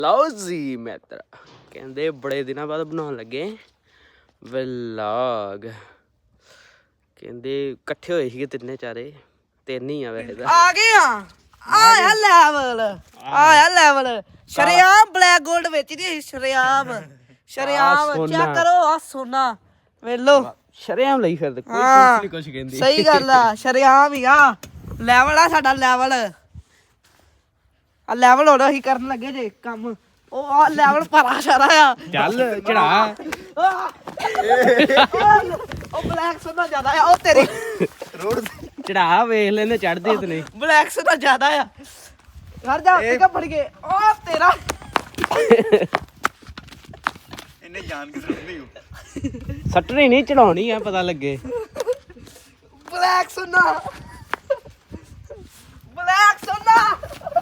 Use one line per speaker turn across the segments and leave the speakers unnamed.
ਲਓ ਜੀ ਮਿੱਤਰ, ਕਹਿੰਦੇ ਬੜੇ ਦਿਨਾਂ ਬਾਅਦ ਬਣਾਉਣ ਲੱਗੇ ਵਲੌਗ। ਕਹਿੰਦੇ ਇਕੱਠੇ ਹੋਏ ਸੀਗੇ ਤਿੰਨੇ ਚਾਰੇ, ਤਿੰਨ ਹੀ ਆ ਵੈਸੇ ਤਾਂ।
ਆ ਗਏ ਆਇਆ ਲੈਵਲ ਸ਼ਰਿਆਮ ਬਲੈਕ 골ਡ ਵੇਚਦੀ ਸ਼ਰਿਆਮ ਚੈੱਕ ਕਰੋ ਆ ਸੋਨਾ ਵੇਲੋ
ਸ਼ਰਿਆਮ ਲਈ ਫਿਰਦੇ, ਕੋਈ ਕੁਛ ਨਹੀਂ ਕੁਛ ਕਹਿੰਦੀ।
ਸਹੀ ਗੱਲ ਆ, ਸ਼ਰਿਆਮ ਹੀ ਆ ਲੈਵਲ ਆ ਸਾਡਾ ਲੈਵਲ। ਆ ਲੈਵਲ ਹੁਣ ਅਸੀਂ ਕਰਨ ਲੱਗੇ ਜੇ ਕੰਮ। ਉਹ ਆ ਲੈਵਲ ਪਰਾ ਸਾਰਾ ਆ।
ਚੱਲ ਚੜਾ
ਉਹ ਬਲੈਕ ਸੋਨਾ ਜ਼ਿਆਦਾ ਆ। ਉਹ ਤੇਰੀ
ਰੋਡ ਚੜਾ ਵੇਖ ਲੈਨੇ ਚੜਦੇ ਤੇ ਨਹੀਂ।
ਬਲੈਕ ਸੋਨਾ ਜ਼ਿਆਦਾ ਆ। ਘਰ ਜਾ ਉੱਤੇ ਫੜ ਕੇ ਉਹ ਤੇਰਾ
ਇਹਨੇ ਜਾਣ ਕੇ ਸੁਣਦੀ ਹੋ
ਸੱਟਣੀ ਨਹੀਂ ਚੜਾਉਣੀ ਆ, ਪਤਾ ਲੱਗੇ।
ਬਲੈਕ ਸੋਨਾ ਬਲੈਕ ਸੋਨਾ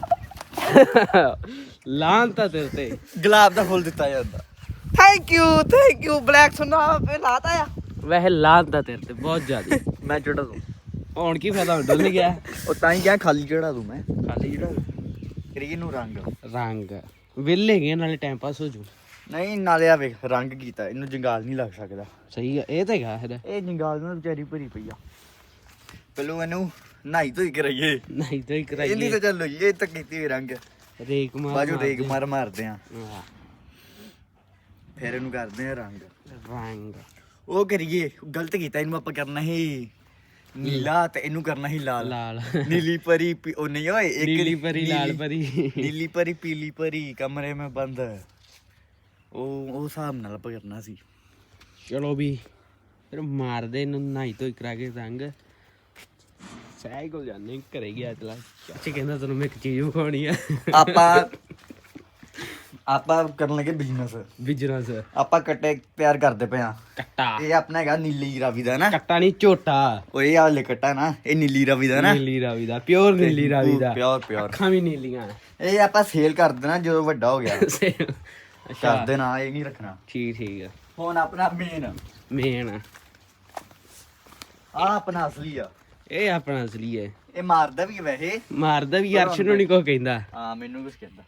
ਲਾਂਤਾ ਤੇਰੇ ਤੇ
ਗੁਲਾਬ ਦਾ ਫੁੱਲ ਦਿੱਤਾ ਜਾਂਦਾ।
ਥੈਂਕ ਯੂ ਬਲੈਕ ਸੋਨਾ ਫੇ ਲਾਤਾ ਆ।
ਵੈਸੇ ਲਾਂਤਾ ਤੇਰੇ ਤੇ ਬਹੁਤ ਜ਼ਿਆਦਾ।
ਮੈਂ ਚੜਾ ਦੂੰ
ਹੁਣ ਕੀ ਫਾਇਦਾ, ਹੁਣ ਡੁੱਲ ਗਿਆ।
ਉਹ ਤਾਂ ਹੀ ਕਿਹਾ ਖਾਲੀ ਚੜਾ ਦੂੰ ਮੈਂ।
ਖਾਲੀ ਜਿਹੜਾ
ਕਰੀਏ ਨੂੰ
ਰੰਗ ਵਿਹਲੇ ਗਏ, ਨਾਲੇ ਟਾਈਮ ਪਾਸ ਹੋ ਜੂ।
ਨਹੀਂ ਨਾਲੇ ਆ ਵੇਖ ਰੰਗ ਕੀਤਾ, ਇਹਨੂੰ ਜੰਗਾਲ ਨਹੀਂ ਲੱਗ ਸਕਦਾ।
ਸਹੀ ਆ, ਇਹ ਤਾਂ ਹੈਗਾ ਇਹਦਾ।
ਇਹ ਜੰਗਾਲ ਨਾਲ ਵਿਚਾਰੀ ਭਰੀ ਪਈ ਆ। ਪਹਿਲੋਂ ਇਹਨੂੰ ਨਹਾਈ ਧੋਈ ਕਰਾਈਏ।
ਨਹੀਂ ਤਾਂ ਹੀ
ਇਹਦੀ
ਕਰਾਈਏ
ਤਾਂ ਚੱਲੋ ਇਹ ਤਾਂ ਕੀਤੀ ਹੋਈ ਰੰਗ।
ਰੇਕ
ਬਾਜੂ ਰੇਕ ਮਾਰਦੇ ਆ,
ਹਾਂ,
ਫਿਰ ਇਹਨੂੰ ਕਰਦੇ ਆ ਰੰਗ।
ਰੰਗ
ਉਹ ਕਰੀਏ, ਗਲਤ ਕੀਤਾ। ਇਹਨੂੰ ਆਪਾਂ ਕਰਨਾ ਸੀ ਨੀਲਾ ਤੇ ਇਹਨੂੰ ਕਰਨਾ ਸੀ ਲਾਲ।
ਲਾਲ
ਨੀਲੀ ਪਰੀ ਉਹ ਨਹੀਂ ਓਏ, ਇੱਕ
ਨੀਲੀ ਪਰੀ ਲਾਲ ਪਰੀ।
ਨੀਲੀ ਪਰੀ ਪੀਲੀ ਪਰੀ ਕਮਰੇ में बंद। ਉਹ ਹਿਸਾਬ ਨਾਲ ਆਪਾਂ ਕਰਨਾ ਸੀ।
ਚਲੋ ਵੀ ਫਿਰ ਮਾਰਦੇ ਇਹਨੂੰ ਨਹਾਈ ਧੋਈ ਕਰਾ ਕੇ ਰੰਗ। ਸਹਿ ਕੋਲ ਜਾਂਦੇ ਘਰੇ ਗਿਆ ਚਲਾ। ਚਾਚੀ ਕਹਿੰਦਾ ਤੈਨੂੰ ਮੈਂ ਇੱਕ ਚੀਜ਼ ਵਿਖਾਉਣੀ ਆ।
ਆਪਾਂ ਕਰਨ ਲੱਗੇ
ਬਿਜਨਸ
ਆਪਾਂ ਕੱਟੇ ਤਿਆਰ ਕਰਦੇ ਪਏ ਆ।
ਕੱਟਾ
ਇਹ ਆਪਣਾ ਹੈਗਾ ਨੀਲੀ ਰਾਵੀ ਦਾ ਨਾ।
ਕੱਟਾ ਨਹੀਂ ਝੋਟਾ।
ਉਹ ਇਹ ਵਾਲੇ ਕੱਟਾ ਨਾ, ਇਹ ਨੀਲੀ ਰਾਵੀ ਦਾ ਨਾ।
ਨੀਲੀ ਰਾਵੀ ਦਾ, ਪਿਓਰ ਨੀਲੀ ਰਾਵੀ ਦਾ।
ਪਿਓਰ
ਅੱਖਾਂ ਵੀ ਨੀਲੀਆਂ।
ਇਹ ਆਪਾਂ ਸੇਲ ਕਰ ਦੇਣਾ ਜਦੋਂ ਵੱਡਾ ਹੋ ਗਿਆ।
ਅੱਛਾ
ਕਰ ਦੇਣਾ, ਇਹ ਨਹੀਂ ਰੱਖਣਾ।
ਠੀਕ ਆ।
ਹੁਣ ਆਪਣਾ
ਮੇਨ
ਆ ਆਪਣਾ ਅਸਲੀ ਆ।
ਇਹ ਆਪਣਾ ਅਸਲੀ ਹੈ।
ਇਹ ਮਾਰਦਾ ਵੀ ਹੈ ਵੈਸੇ।
ਮਾਰਦਾ ਵੀ, ਅਰਸ਼ ਨੂੰ ਨਹੀਂ ਕੁਛ ਕਹਿੰਦਾ।
ਹਾਂ ਮੈਨੂੰ ਕੁਛ ਕਹਿੰਦਾ।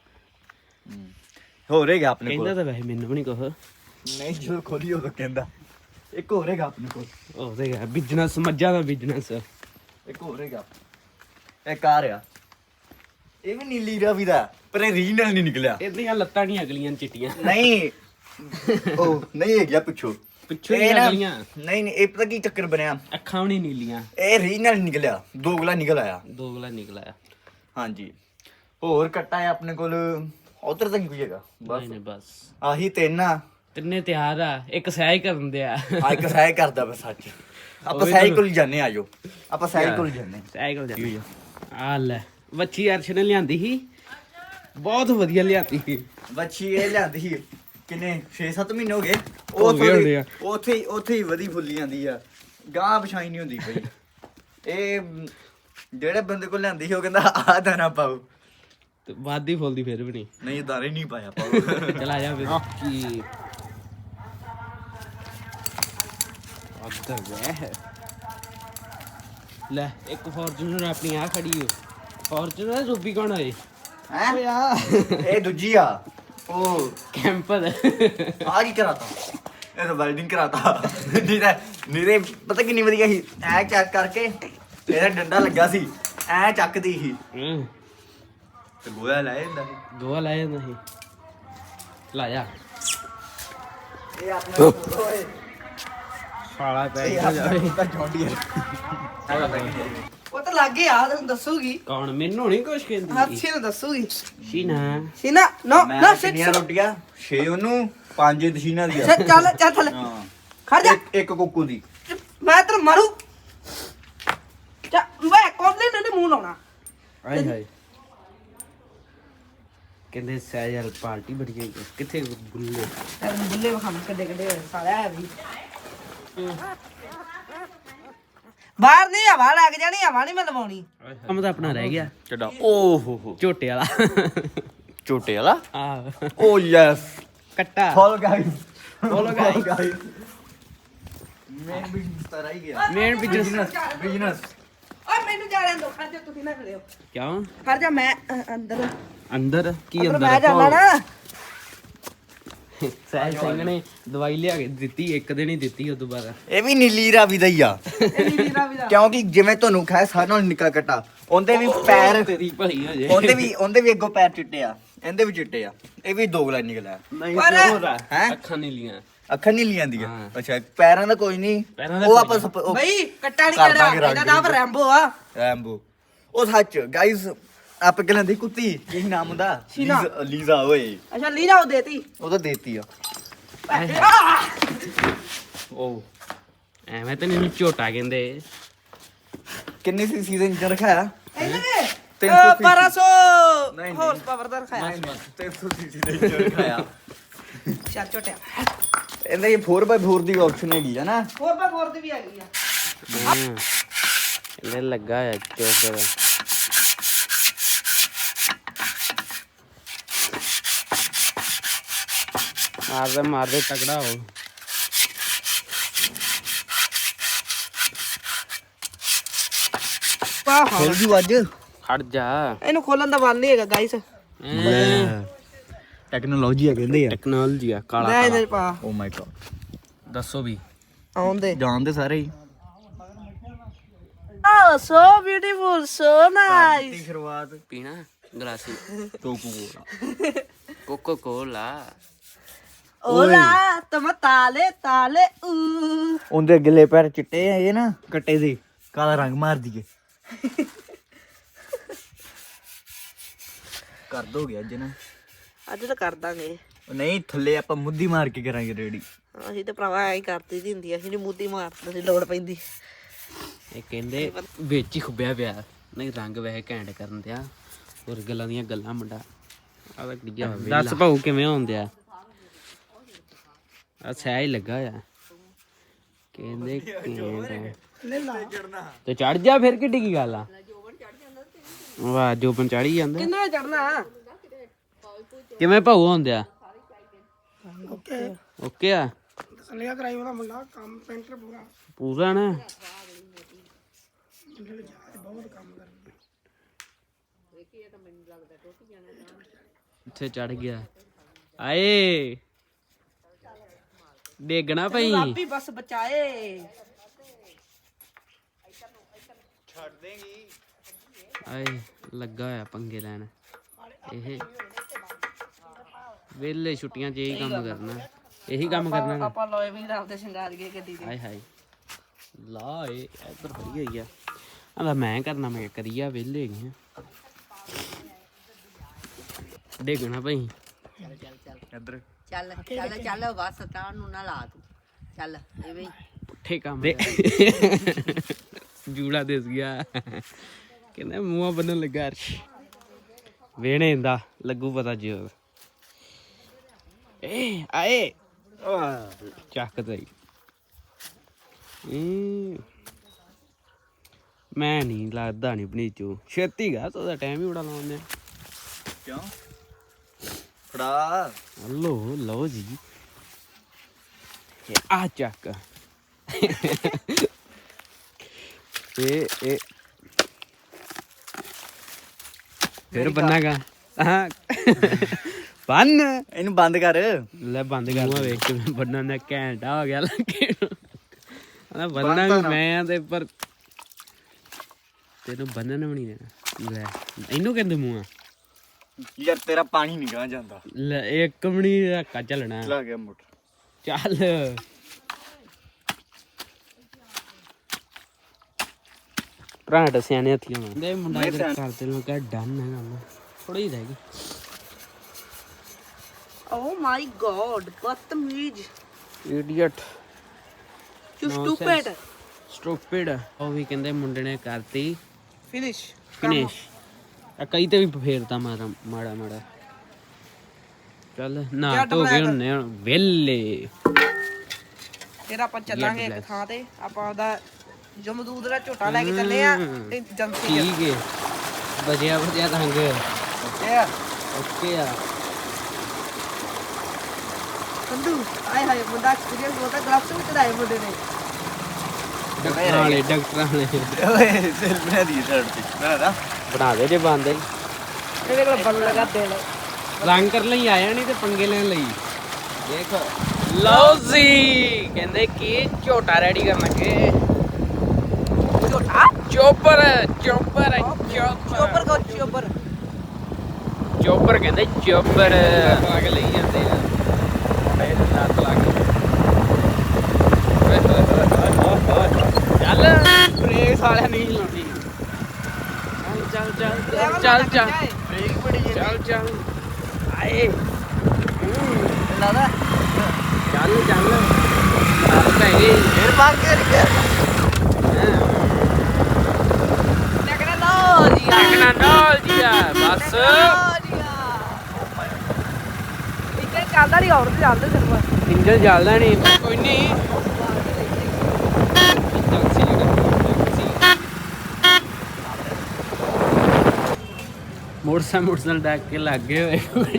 ਹੋ ਰਹੇਗਾ ਆਪਣੇ
ਕਹਿੰਦਾ
ਕੋਲ।
ਤਾਂ ਵੈਸੇ ਮੈਨੂੰ ਵੀ ਨਹੀਂ ਕੁਛ।
ਨਹੀਂ ਜਦੋਂ ਖੋਲੀ ਉਦੋਂ ਕਹਿੰਦਾ। ਇੱਕ ਹੋ ਰਹੇਗਾ ਆਪਣੇ ਕੋਲ।
ਉਹ ਤੇ ਹੈ ਬਿਜਨਸ, ਮੱਝਾਂ ਦਾ ਬਿਜਨਸ।
ਇੱਕ ਹੋ ਰਹੇਗਾ। ਇਹ ਕਾਰ ਆ, ਇਹ ਵੀ ਨੀਲੀ ਰਾਵੀ ਦਾ, ਪਰ ਇਹ ਰੀਜਨਲ ਨਹੀਂ ਨਿਕਲਿਆ।
ਇਹਦੀਆਂ ਲੱਤਾਂ ਨਹੀਂ ਅਗਲੀਆਂ ਚਿੱਟੀਆਂ।
ਨਹੀਂ ਉਹ ਨਹੀਂ ਹੈਗਾ ਪਿੱਛੋਂ
ਪਿੱਛੋਂ
ਇਹ ਨਾ-
ਅਗਲੀਆਂ।
ਨਹੀਂ ਇਹ ਪਤਾ ਕੀ ਚੱਕਰ ਬਣਿਆ,
ਅੱਖਾਂ ਵੀ ਨਹੀਂ ਨੀਲੀਆਂ।
ਇਹ ਰੀਜਨਲ ਨਿਕਲਿਆ, ਦੋਗਲਾ ਨਿਕਲ ਆਇਆ।
ਦੋਗਲਾ ਨਿਕਲ ਆਇਆ।
ਹਾਂਜੀ ਹੋਰ ਕੱਟਾ ਹੈ ਆਪਣੇ ਕੋਲ, ਉਧਰ ਤਾਂ ਨਹੀਂ ਕੋਈ ਹੈਗਾ।
ਨਹੀਂ ਨਹੀਂ ਬਸ
ਆਹੀ ਤਿੰਨ ਆ।
ਤਿੰਨੇ ਤਿਆਰ ਆ, ਇੱਕ ਸਹਿ ਕਰਨ ਦੇ ਆ।
ਇੱਕ ਸਹਿ ਕਰਦਾ ਬਸ ਸੱਚ। ਆਪਾਂ ਸਹਿ ਕੋਲ ਜਾਂਦੇ ਆ, ਆਜੋ ਆਪਾਂ ਸਹਿ ਕੋਲ ਜਾਂਦੇ।
ਸਹਿ ਕੋਲ ਜਾਂਦੇ ਆ। ਲੈ ਵੱਛੀ ਅਰਸ਼ ਨੇ ਲਿਆਂਦੀ ਸੀ, ਬਹੁਤ ਵਧੀਆ ਲਿਆਂਦੀ ਸੀ।
ਬੱਚੀ ਇਹ ਲਿਆਂਦੀ ਸੀ ਕਿੰਨੇ 6-7 ਮਹੀਨੇ ਹੋ ਗਏ।
ਹੋ ਗਏ ਹੋਣੇ ਆ।
ਉੱਥੇ ਹੀ ਵਧੀ ਫੁੱਲੀ ਜਾਂਦੀ ਆ, ਗਾਂ ਵਿਛਾਈ ਨਹੀਂ ਹੁੰਦੀ ਪਈ। ਇਹ ਜਿਹੜੇ ਬੰਦੇ ਕੋਲ ਲਿਆਂਦੀ ਸੀ ਉਹ ਕਹਿੰਦਾ ਆਹ ਦਾਣਾ ਪਾਓ,
ਤੇ ਵਾਦੀ ਫੁੱਲਦੀ ਫਿਰ ਵੀ ਨਹੀਂ।
ਨਹੀਂ ਦਾਣੇ ਨਹੀਂ ਪਾਇਆ ਪਾਓ।
ਚਲਾ ਜਾ ਫਿਰ ਕੀ ਅੱਧਾ ਵਹਿ। ਲੈ ਇੱਕ ਫੋਰਚੂਨਰ ਆਪਣੀ ਆ ਖੜੀ ਹੋ। ਫੋਰਚੂਨਰ ਰੂਬੀ ਕੌਣ ਹੋਏ?
ਹੈ ਇਹ ਦੂਜੀ ਆ, ਉਹ
ਕੈਂਪਰ।
ਆ ਕੀ ਕਰਾਤਾ? ਇਹ ਤਾਂ ਵੈਲਡਿੰਗ ਕਰਾਤਾ। ਨੀਰੇ ਪਤਾ ਕਿੰਨੀ ਵਧੀਆ ਸੀ, ਐ ਚੈੱਕ ਕਰਕੇ ਇਹਦਾ ਡੰਡਾ ਲੱਗਾ ਸੀ, ਐ ਚੱਕਦੀ ਸੀ ਤੇ ਗੋਇਆ ਲੈ ਜਾਂਦਾ ਸੀ।
ਗੋਆ ਲੈ ਜਾਂਦਾ ਸੀ। ਲਾ ਜਾ
ਇਹ ਆਪਣੇ ਓਏ
ਸਾਲਾ ਪੈ
ਇਹ ਆਪਣਾ ਜੌਂਡੀਅਰ।
ਉਹ ਤਾਂ ਲੱਗੇ ਆ, ਤੈਨੂੰ ਦੱਸੂਗੀ।
ਕੌਣ? ਮੈਨੂੰ ਨਹੀਂ ਕੁਛ ਕਹਿੰਦੀ।
ਹਰਸ਼ੀ ਨੂੰ ਦੱਸੂਗੀ।
ਸ਼ੀਨਾ
ਸੀਨਾ ਨੋ
ਮੈਂ
ਨਾ
ਕਿੰਨੀਆਂ ਰੋਟੀਆਂ 6 ਉਹਨੂੰ 5 ਦਸ਼ੀਨਾ ਦੀਆਂ।
ਚੱਲ ਥੱਲੇ
ਹਾਂ
ਖੜ ਜਾ।
ਇੱਕ ਕੁੱਕੂ ਦੀ।
ਮੈਂ ਤੈਨੂੰ ਮਾਰੂ। ਵੇ ਕੋਲੇ ਨੇ ਮੂੰਹ ਲਾਉਣਾ।
ਆਏ ਹਾਏ ਕਹਿੰਦੇ ਸਹਿਜਲ ਪਾਰਟੀ ਬੜੀ ਗਈ। ਕਿੱਥੇ ਗੁੱਲੇ?
ਤੈਨੂੰ ਬੁੱਲੇ ਵਖਾਮ ਕੱਡੇ ਸਾਲਿਆ ਹੈ ਵੀ। ਬਾਹਰ ਨਹੀਂ ਹਵਾ ਲੱਗ ਜਾਣੀ, ਹਵਾ ਨਹੀਂ ਮੈਂ ਲਵਾਉਣੀ।
ਕੰਮ ਤਾਂ ਆਪਣਾ ਰਹਿ ਗਿਆ।
ਚੱਡਾ ਓ ਹੋ
ਝੋਟੇ ਵਾਲਾ।
ਝੋਟੇ ਵਾਲਾ।
ਆ
ਓ ਯੈਸ
ਕੱਟਾ।
Follow guys,
follow guys.
Main business ਤਾਂ ਰਹਿ ਗਿਆ।
ਮੇਨ ਬਿਜ਼ਨਸ
ਬਿਜ਼ਨਸ
ਓਏ ਮੈਨੂੰ ਜਾ ਲੈਣ ਦੋ, ਖੜ ਜਾ ਤੁਸੀਂ ਨਾ ਖੜਿਓ।
ਕਿਉਂ?
ਖੜ ਜਾ ਮੈਂ ਅੰਦਰ
ਅੰਦਰ ਕੀ
ਅੰਦਰ
ਅੰਦਰ
ਮੈਂ ਜਾਣਾ ਨਾ
ਸਹਿਜ ਸਿੰਘ ਨੇ ਦਵਾਈ ਲਿਆ ਕੇ ਦਿੱਤੀ, ਇੱਕ ਦਿਨ ਹੀ ਦਿੱਤੀ ਉਹ ਦੁਬਾਰਾ।
ਇਹ ਵੀ ਨੀਲੀ ਰਾਵੀ ਦਾ ਹੀ ਆ
ਇਹ ਨੀਲੀ ਰਾਵੀ ਦਾ
ਕਿਉਂਕਿ ਜਿਵੇਂ ਤੁਹਾਨੂੰ ਖਾਇਆ ਸਾਰਿਆਂ ਨਾਲੋਂ ਨਿੱਕਾ ਕੱਟਾ, ਉਹਦੇ ਵੀ ਪੈਰ
ਤੇਰੀ ਭਲੀ ਹੋ ਜੇ।
ਉਹਦੇ ਵੀ ਅੱਗੋਂ ਪੈਰ ਚਿੱਟੇ ਆ, ਇਹਦੇ ਵੀ ਚਿੱਟੇ ਆ, ਇਹ ਵੀ ਦੋਗਲਾ ਨਿਕਲਿਆ।
ਨਹੀਂ
ਪਰ-
ਹੋਰ ਆ,
ਹੈਂ?
ਅੱਖਾਂ ਨਹੀਂ ਲੀਆਂ।
ਅੱਖਾਂ ਨਹੀਂ ਲੀਆਂ ਦੀਆਂ।
ਹਾਂ।
ਅੱਛਾ ਪੈਰਾਂ ਦਾ ਕੋਈ ਨਹੀਂ,
ਪੈਰਾਂ ਦਾ
ਉਹ
ਕੋਈ
ਆਪਾਂ
ਬਈ ਕੱਟਾ ਨਹੀਂ
ਕਰ
ਕਿਹੜਾ,
ਦਾਂਗੇ ਰੰਗ
ਇਹਦਾ ਨਾਮ ਰੈਂਬੋ ਆ।
ਰੈਂਬੋ। ਉਹ ਸੱਚ ਗਾਇਸ ਆਪ ਕਹਿੰਦੇ ਦੀ ਕੁੱਤੀ ਕੀ ਨਾਮ ਹੁੰਦਾ?
ਸ਼ੀਨਾ।
ਲੀਜ਼ਾ ਓਏ,
ਅੱਛਾ ਲੀਲਾ ਉਹ ਦੇਤੀ
ਉਹ ਤਾਂ ਦੇਤੀ ਆ।
ਉਹ ਐਵੇਂ ਤਾਂ ਨਹੀਂ ਝੋਟਾ ਕਹਿੰਦੇ।
ਕਿੰਨੀ ਸੀ ਸੀਜ਼ਨ ਚ ਰਖਾਇਆ?
ਇਹਨੇ
300
1200
ਨਹੀਂ।
ਹਾਰਸ ਪਾਵਰ ਦਾ ਰਖਾਇਆ
300 ਸੀਸੀ ਦੇ ਚ ਰਖਾਇਆ।
ਚੱਲ ਝੋਟਿਆ
ਇਹਦਾ ਇਹ 4x4 ਦੀ ਆਪਸ਼ਨ ਹੈਗੀ ਆ ਨਾ।
4x4 ਦੀ ਵੀ ਹੈਗੀ ਆ।
ਇਹਦੇ ਲੱਗਾ ਆ ਚੋਕਰ। ਮਾਰਦੇ ਤਕੜਾ ਹੋ।
ਵਾਹ
ਖੋਲ ਜੂ ਅੱਜ।
ਖੜ ਜਾ।
ਇਹਨੂੰ ਖੋਲਣ ਦਾ ਮਨ ਨਹੀਂ ਹੈਗਾ ਗਾਇਸ।
ਟੈਕਨੋਲੋਜੀ ਆ ਕਹਿੰਦੇ ਆ।
ਟੈਕਨੋਲੋਜੀ ਆ ਕਾਲਾ
ਲੈ ਇਹਦੇ ਚ ਪਾ
ਓ ਮਾਈ ਗॉड।
ਦੱਸੋ ਵੀ।
ਆਉਂਦੇ
ਜਾਣਦੇ ਸਾਰੇ ਹੀ।
Oh, so beautiful, so nice.
ਸ਼ੁਰੂਆਤ
ਪੀਣਾ ਗਲਾਸੀ
Coca Cola.
Coca Cola.
Hola, toma tale, tale,
ਉਹਦੇ ਅਗਲੇ ਪੈਰ ਚਿੱਟੇ ਆ ਇਹ ਨਾ ਕੱਟੇ ਦੇ, ਕਾਲਾ ਰੰਗ ਮਾਰ ਦਈਏ। ਕਰ ਦੋਗੇ ਅੱਜ ਨਾ?
ਅੱਜ ਤਾਂ ਕਰ ਦਾਂਗੇ।
ਉਹ ਨਹੀਂ ਥੱਲੇ ਆਪਾਂ ਮੁੱਦੀ ਮਾਰ ਕੇ ਕਰਾਂਗੇ ਰੈਡੀ।
ਅਸੀਂ ਤਾਂ ਭਰਾਵਾ ਐਂ ਹੀ ਕਰਦੀ ਦੀ ਹੁੰਦੀ ਆ, ਅਸੀਂ ਨੀ ਮੁੱਦੀ ਮਾਰਦੇ ਸੀ ਲੋੜ ਪੈਂਦੀ।
ਇਹ ਕਹਿੰਦੇ ਵਿੱਚ ਹੀ ਖੁੱਬਿਆ ਪਿਆ, ਨਹੀਂ ਰੰਗ ਵੈਸੇ ਘੈਂਟ ਕਰਨ ਦਿਆ। ਹੋਰ ਗੱਲਾਂ ਦੀਆਂ ਗੱਲਾਂ ਮੁੰਡਾ। ਆ ਤਾਂ ਕੁੜੀਆ ਦੱਸ ਭਾਊ ਕਿਵੇਂ ਹੁੰਦਿਆ? ਆ ਸਹਿਜ ਲੱਗਾ ਆ ਕਹਿੰਦੇ ਤੇ ਚੜ ਜਾ ਫਿਰ ਕਿੱਡੀ ਕੀ ਗੱਲ ਆ? ਵਾਹ ਜੋਬਨ ਚੜੀ ਜਾਂਦਾ।
ਕਿੰਨਾ ਚੜਨਾ?
ਕਿਵੇਂ ਭਾਊ ਹੁੰਦਿਆ? ਓਕੇ ਆ
ਸਲਿਆ ਕਰਾਈ ਉਹਦਾ ਮੁੰਡਾ ਕੰਮ ਪੈਂਟਰ ਪੂਰਾ
ਪੂਰਾ ਨਾ। ਇੱਥੇ ਚੜ ਗਿਆ। ਆਏ ਡੇਗਣਾ ਪਈ।
ਰੱਬੀ ਬਸ ਬਚਾਏ।
ਆਏ ਲੱਗਾ ਹੋਇਆ ਪੰਗੇ ਲੈਣ। ਇਹ ਵੇਲੇ ਛੁੱਟੀਆਂ 'ਚ ਇਹੀ ਕੰਮ ਕਰਨਾ, ਇਹੀ ਕੰਮ ਕਰਨਾ।
ਆਪਾਂ ਲੋਏ ਵੀ ਰਾਤ ਦੇ ਸ਼ਿੰਗਾਰ ਗਏ ਗੱਡੀ ਦੇ।
ਹਾਏ ਹਾਏ ਲਾ ਇਹ ਇੱਧਰ ਫੜੀ ਹੋਈ ਆ। ਆਂਦਾ ਮੈਂ ਕਰਨਾ, ਮੈਂ ਕਰੀਆ ਵੇਲੇ ਹੈਗੇ ਆ। ਡੇਗਣਾ ਪਈ।
ਇੱਧਰ
ਚੱਲ ਚੱਲ ਚੱਲ ਬਸ ਤਾਂ ਨੂੰ ਨਾ ਲਾ ਤੂੰ ਚੱਲ ਐਵੇਂ
ਪੁੱਠੇ ਕੰਮ ਦੇ ਜੂੜਾ ਦਿਸ ਗਿਆ। ਕਹਿੰਦਾ ਮੂੰਹਾਂ ਬੰਨਣ ਲੱਗਾ ਅਰਸ਼। ਵੇਣੇ ਇੰਦਾ ਲੱਗੂ ਪਤਾ ਜੀ। ਏ ਆਏ ਚੱਕ ਤਈ। ਮੈਂ ਨਹੀਂ ਲੱਗਦਾ ਨਹੀਂ ਬਣੀਚੂ ਛੇਤੀ ਗਾ ਉਹਦਾ ਟਾਈਮ ਹੀ ਬੜਾ ਲਾਉਂਦੇ।
ਕਿਉਂ ਫੜਾ
ਲੋ ਲਓ ਜੀ ਆ ਚੱਕ। ਇਹ ਫਿਰ ਬੰਨਾਗਾ। ਹਾਂ ਬੰਨ
ਇਹਨੂੰ ਬੰਦ ਕਰ।
ਲੈ ਬੰਦ ਕਰ। ਮੂੰਹ ਵੇਖ ਕੇ ਬੰਨਣ ਦਾ ਘੈਂਟਾ ਹੋ ਗਿਆ ਲੱਗੇ ਨੂੰ। ਬੰਨਣਾ ਵੀ ਮੈਂ ਆ ਤੇ ਪਰ ਤੈਨੂੰ ਬੰਨਣ ਵੀ ਨਹੀਂ ਦੇਣਾ। ਲੈ ਇਹਨੂੰ ਕਹਿੰਦੇ ਮੂੰਹ ਆ।
ਯਾਰ ਤੇਰਾ ਪਾਣੀ ਨਹੀਂ ਗਾ ਜਾਂਦਾ।
ਲੈ ਇੱਕ ਵੀ ਨਹੀਂ ਧੱਕਾ ਚੱਲਣਾ।
ਲਾ ਗਿਆ ਮੋਟਰ।
ਚੱਲ ਭਰਾ ਸਿਆਣੇ ਹੱਥੀਆਂ ਨਾਲ ਦੇ ਮੁੰਡਾ ਇਧਰ ਕਰਦੇ ਨੂੰ ਕਹ ਡਨ ਹੈ ਕੰਮ ਥੋੜੀ ਰਹਿ ਗਈ।
ਓ ਮਾਈ ਗॉड ਬਦਤਮੀਜ਼
ਇਡੀਅਟ
ਯੂ ਸਟੂਪਿਡ
ਸਟੂਪਿਡ। ਉਹ ਵੀ ਕਹਿੰਦੇ ਮੁੰਡੇ ਨੇ ਕਰਤੀ
ਫਿਨਿਸ਼
ਫਿਨਿਸ਼। ਆ ਕਈ ਤੇ ਵੀ ਫੇਰਦਾ ਮਾੜਾ ਮਾੜਾ। ਚੱਲ ਨਾ ਧੋ ਗਏ ਹੁੰਨੇ ਵੇਲੇ।
ਫਿਰ ਆਪਾਂ ਚੱਲਾਂਗੇ ਇੱਕ ਥਾਂ ਤੇ। ਆਪਾਂ ਉਹਦਾ ਜਮਦੂਦ ਦਾ ਝੋਟਾ ਲੈ ਕੇ ਚੱਲੇ ਆ ਏਜੰਸੀ।
ਠੀਕ ਹੈ ਬਜਿਆ ਰੰਗ
ਓਕੇ ਆ
ਓਕੇ ਆ।
ਸੰਧੂ ਆਏ ਹਾਏ ਮੁੰਡਾ ਐਕਸਪੀਰੀਅੰਸ ਬਹੁਤਾ ਗਲਫਸ ਵੀ ਚੜਾਏ ਮੁੰਡੇ ਨੇ।
ਡਾਕਟਰਾਂ ਵਾਲੇ
ਓਏ ਸੈਲ ਬਣਾ ਦੀ ਸ਼ਰਟ ਤੇ ਬਣਾ ਦਾ।
ਬਣਾ ਦੇ ਜੇ ਬੰਦੇ
ਇਹਦੇ ਕੋਲ ਬਲ ਲਗਾ ਦੇ ਲੈ
ਰੰਗ ਕਰਨ ਲਈ ਆਇਆ ਨਹੀਂ ਤੇ ਪੰਗੇ ਲੈਣ ਲਈ ਦੇਖ ਲਓ ਜੀ ਕਹਿੰਦੇ ਕਿ ਝੋਟਾ ਰੈਡੀ ਕਰਨ ਲੱਗੇ
ਝੋਟਾ
ਚੋਪਰ
ਚੋਪਰ ਕੋ ਚੋਪਰ
ਚੋਪਰ ਕਹਿੰਦੇ ਚੋਪਰ ਲਾ ਕੇ ਲਈ ਜਾਂਦੇ ਆ ਪੈਰ ਲੱਤ ਲਾ ਕੇ ਚੱਲ ਬ੍ਰੇਕ ਸਾਲਿਆ ਨਹੀਂ ਲਾਉਂਦੀ ਚੱਲ ਚੱਲ ਚੱਲ
ਬ੍ਰੇਕ ਬੜੀ
ਚੱਲ ਚੱਲ ਆਏ
ਲਾਦਾ
ਚੱਲ ਚੱਲ ਚੱਲ ਪੈ ਗਈ
ਫੇਰ ਬਾਹਰ ਕੇ
ਟਕਰਾ ਲੋ ਜੀ
ਟਕਣਾ ਨਾਲ ਜੀ ਆ ਬਸ
ਇੱਥੇ ਚੱਲਦਾ ਨਹੀਂ ਹੋਰ ਤੇ ਚੱਲਦੇ ਸਿਰਫ
ਇੰਜਨ ਚੱਲਦਾ ਨਹੀਂ ਕੋਈ ਨਹੀਂ ਮੋਟਰਸਾਈਕਲ ਡੱਕ ਕੇ ਲੱਗੇ ਹੋਏ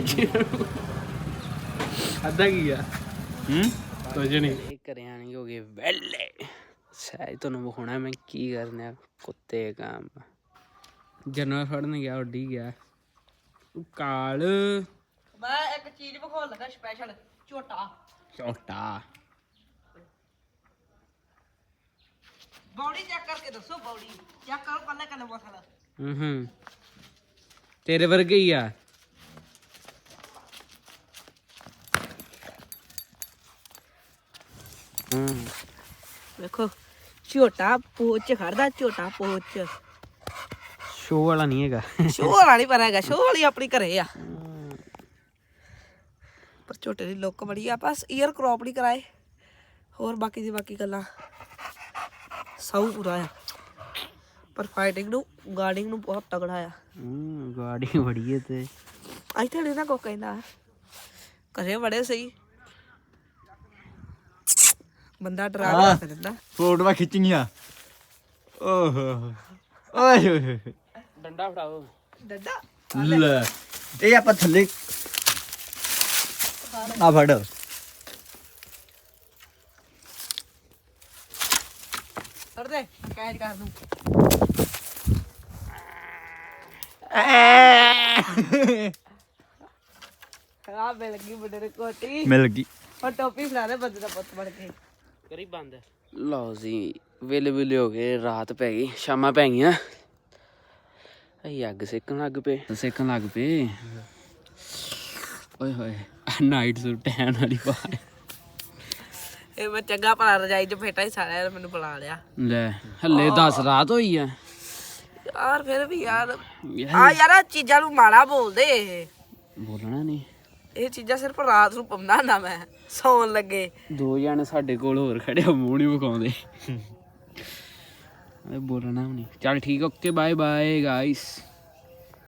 ਅੱਧਾ ਕੀ ਆ ਕੁਝ ਨਹੀਂ ਘਰਿਆਂ ਨਹੀਂ ਹੋ ਗਏ ਵੈਲੇ ਸਹਿਜ ਤੁਹਾਨੂੰ ਵਿਖਾਉਣਾ ਮੈਂ ਕੀ ਕਰਨਾ ਕੁੱਤੇ ਕੰਮ ਜਾਨਵਰ ਫੜਨ ਗਿਆ ਉੱਡੀ ਗਿਆ ਕਾਲ
ਮੈਂ ਇੱਕ ਚੀਜ਼ ਵਿਖਾਉਣ ਲੱਗਾ ਸਪੈਸ਼ਲ ਝੋਟਾ
ਝੋਟਾ
ਬੌਡੀ ਚੈੱਕ ਕਰਕੇ ਦੱਸੋ ਬੌਡੀ ਚੈੱਕ ਕਰੋ ਕੱਲੇ ਕੱਲੇ ਮਸਲਾ
ਹੂੰ ਤੇਰੇ ਵਰਗੇ ਹੀ ਆ
ਵੇਖੋ ਝੋਟਾ ਪੋਚ ਖੜਦਾ ਝੋਟਾ ਪੋਚ
ਸ਼ੋਅ ਵਾਲਾ ਨਹੀਂ ਹੈਗਾ
ਸ਼ੋਅ ਵਾਲਾ ਨਹੀਂ ਪਰ ਹੈਗਾ ਸ਼ੋਅ ਵਾਲੀ ਆਪਣੀ ਘਰੇ ਆ ਪਰ ਝੋਟੇ ਦੀ ਲੁੱਕ ਬੜੀ ਆ ਬਸ ਈਅਰ ਕ੍ਰੌਪ ਨਹੀਂ ਕਰਾਏ ਹੋਰ ਬਾਕੀ ਦੀ ਬਾਕੀ ਗੱਲਾਂ ਸੌ ਪੂਰਾ ਆ ਪਰ ਫਾਈਟਿੰਗ ਨੂੰ ਗਾਰਡਿੰਗ ਨੂੰ ਬਹੁਤ ਤਗੜਾ ਆ
ਗਾੜੀ ਬੜੀ ਹੈ ਤੇ
ਇੱਥੇ ਨਹੀਂ ਨਾ ਕੋ ਕਹਿੰਦਾ ਘਰੇ ਬੜੇ ਸਹੀ ਬੰਦਾ ਡਰਾ ਕੇ ਦਿੰਦਾ
ਫੋਟੋਆਂ ਖਿੱਚਣੀਆਂ ਓਹੋ ਓਏ ਹੋਏ
ਡੰਡਾ ਫੜਾਓ
ਡੱਡਾ
ਲੈ ਇਹ ਆਪਾਂ ਥੱਲੇ ਆ ਫੜ
ਕਰ ਦੇ ਕੈਚ ਕਰ ਦੂੰ ਆ ਮਿਲ ਗਈ ਮੁੰਡੇ ਨੂੰ ਕੋਟੀ
ਮਿਲ ਗਈ
ਔਰ ਟੋਪੀ ਫੜਾ ਦੇ ਬੰਦੇ ਦਾ ਪੁੱਤ ਬਣ ਕੇ
ਕਰੀ ਬੰਦ ਲਓ ਜੀ ਵੇਲੇ ਹੋ ਗਏ ਰਾਤ ਪੈ ਗਈ ਸ਼ਾਮਾਂ ਪੈ ਗਈਆਂ ਅਸੀਂ ਅੱਗ ਸੇਕਣ ਲੱਗ ਪਏ ਓਏ ਹੋਏ ਨਾਈਟ ਸੂਟ ਟੈਨ ਵਾਲੀ ਪਾ
ਇਹ ਮੈਂ ਚੰਗਾ ਭਲਾ ਰਜਾਈ ਚ ਫੇਟਾ ਹੀ ਸਾਰਿਆਂ ਨੇ ਮੈਨੂੰ ਬੁਲਾ ਲਿਆ
ਲੈ ਹੱਲੇ 10 ਰਾਤ ਹੋਈ ਆ
ਯਾਰ ਫਿਰ ਵੀ ਯਾਰ ਆ ਯਾਰ ਆਹ ਚੀਜ਼ਾਂ ਨੂੰ ਮਾੜਾ ਬੋਲਦੇ ਇਹ
ਬੋਲਣਾ ਨਹੀਂ
ਇਹ ਚੀਜ਼ਾਂ ਸਿਰਫ ਰਾਤ ਨੂੰ ਪਾਉਂਦਾ ਹੁੰਦਾ ਮੈਂ ਸੌਣ ਲੱਗੇ
ਦੋ ਜਣੇ ਸਾਡੇ ਕੋਲ ਹੋਰ ਖੜੇ ਆ ਮੂੰਹ ਨਹੀਂ ਵਿਖਾਉਂਦੇ ਬੋਲਣਾ ਵੀ ਨਹੀਂ ਚੱਲ ਠੀਕ ਓਕੇ ਬਾਏ ਬਾਏ ਗਾਇਸ